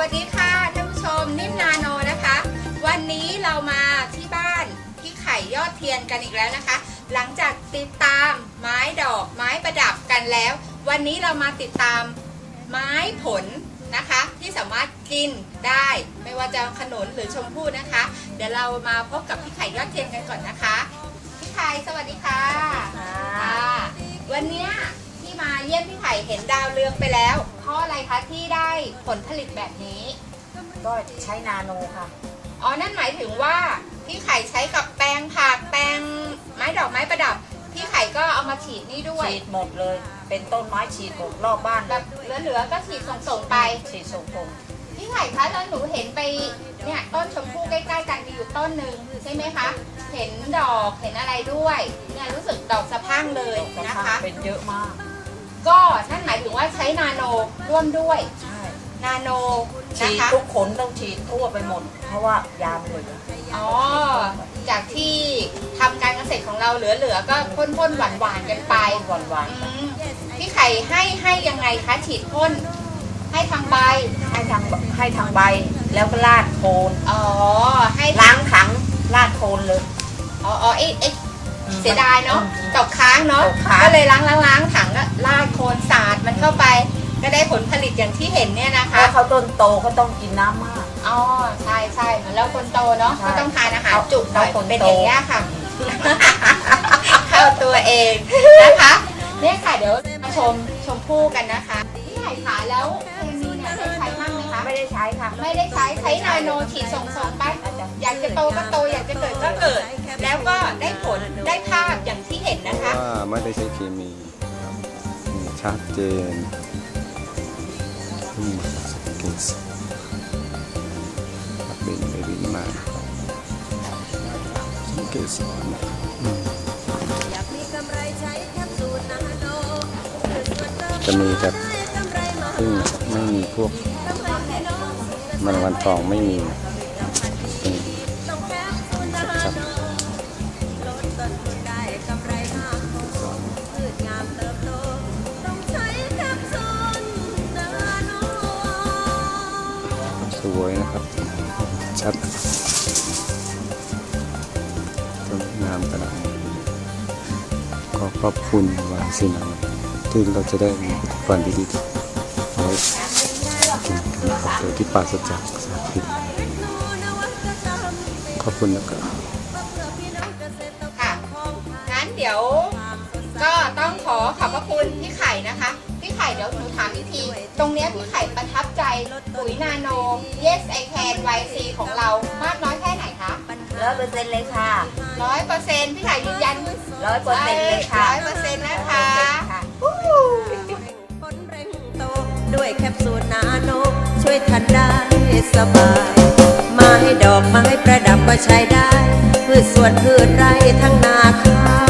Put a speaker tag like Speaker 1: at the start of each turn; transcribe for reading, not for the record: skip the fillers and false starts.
Speaker 1: วัสดีค่ะท่านผู้ชมนิ่มนาโนนะคะ วันนี้เรามาที่บ้านพี่ไข่ยอดเทียนกันอีกแล้วนะคะ หลังจากติดตามไม้ดอกไม้ประดับกันแล้ว วันนี้เรามาติดตามไม้ผลนะคะที่สามารถกินได้ไม่ว่าจะขนุนหรือชมพู่นะคะ เดี๋ยวเรามาพบกับพี่ไข่ยอดเทียนกันก่อนนะคะพี่ไข่สวัสดีค่ะวันนี้ที่มาเยี่ยมพี่ไข่เห็นดาวเรืองไปแล้วเพราะอะไรคะที่ได้ผลผลิตแบบนี้
Speaker 2: ก็ใช้นาโนค่ะ
Speaker 1: อ๋อนั่นหมายถึงว่าพี่ไข่ใช้กับแปลงผักแปลงไม้ดอกไม้ประดับพี่ไข่ก็เอามาฉีดนี่ด้วย
Speaker 2: ฉีดหมดเลยเป็นต้นไม้ฉีดหมดรอบบ้าน
Speaker 1: แบบเหลือๆก็ฉีดส่งไป
Speaker 2: ฉีดส่ง
Speaker 1: พี่ไข่คะแล้วหนูเห็นไปเนี่ยต้นชมพู่ใกล้ๆกันมีอยู่ต้นหนึ่งใช่ไหมคะเห็นดอกเห็นอะไรด้วยเนี่ยรู้สึกดอกสะพรั่งเลยนะคะ
Speaker 2: เป็นเยอะมาก
Speaker 1: ก็นั่นหมายถึงว่าใช้นาโนร่วมด้วย
Speaker 2: ใช่
Speaker 1: นาโน
Speaker 2: ฉีดทุกขนต้องฉีดทั่วไปหมดเพราะว่ายามเลย
Speaker 1: อ๋อจากที่ทำการเกษตรของเราเหลือๆก็พ่นๆหวานๆกันไป
Speaker 2: หวาน
Speaker 1: พี่ไข่ให้ยังไงคะฉีดพ่นให้ทางใบ
Speaker 2: ให้ทางใบแล้วก็ลาดโคน
Speaker 1: อ๋อให้
Speaker 2: ล้างถังลาดโคนเลย
Speaker 1: อ๋อเสียดายเนาะตกค้างเนาะก็เลยล้างถังก็ลาดโคนสาดมันเข้าไปก็ได้ผลผลิตอย่างที่เห็นเนี่ยนะคะ
Speaker 2: แล้วเขาต้นโตเขาต้องกินน้ำมาก
Speaker 1: อ๋อใช่เหมือนแล้วคนโตเนาะก็ต้องทานอาหารจุหน่อยเป็นอย่างนี้ค่ะเข้าตัวเองนะคะเนี่ยค่ะเดี๋ยวมาชมพู่กันนะคะพี่ไข่ขาแล้วเคมีเนี่ยได้ใช้บ้างไหมคะ
Speaker 2: ไม่ได้ใช้ค่ะ
Speaker 1: ไม่ได้ใช้นาโนฉีดส่งไปอยากจะโตก็โตอยากจะเกิดก็เกิดแล้วก็ได้ผลได้ภาพอย่างที่เห็นนะคะ
Speaker 3: ว่าไม่ได้ใช้เคมีชัดเจนเกสเป็นไปวิ่งมาเกสรจะมีแต่พึ่งไม่มีพวกมันวันทองไม่มีชัดสวยนะครับชัดสวยงามขนาดนี้ก็ขอบคุณวาสินาที่เราจะได้มีผลิตภัณฑ์ดีๆเอาไว้กินกันนะครับโดยที่ปราศจากสารพิษขอบคุณนะครับ
Speaker 1: ค่ะงั้นเดี๋ยวก็ต้องขอบพระคุณพี่ไข่นะคะพี่ไข่เดี๋ยวหนูถามอีกทีตรงนี้พี่ไข่ประทับใจปุ๋ยนาโน Yes I Can YC ของเรามากน้อยแค่ไหนคะ
Speaker 2: 100%เลยค่ะ
Speaker 1: 100%พี่ไข่ยืนยัน
Speaker 2: 100%เลยค่ะ
Speaker 1: 100%นะคะ
Speaker 4: ด้วยแคปซูลนาโนช่วยทันได้สบายไม้ดอกไม้ประดับก็ใช้ได้พืชสวนพืชไร่ทั้งนาข้าว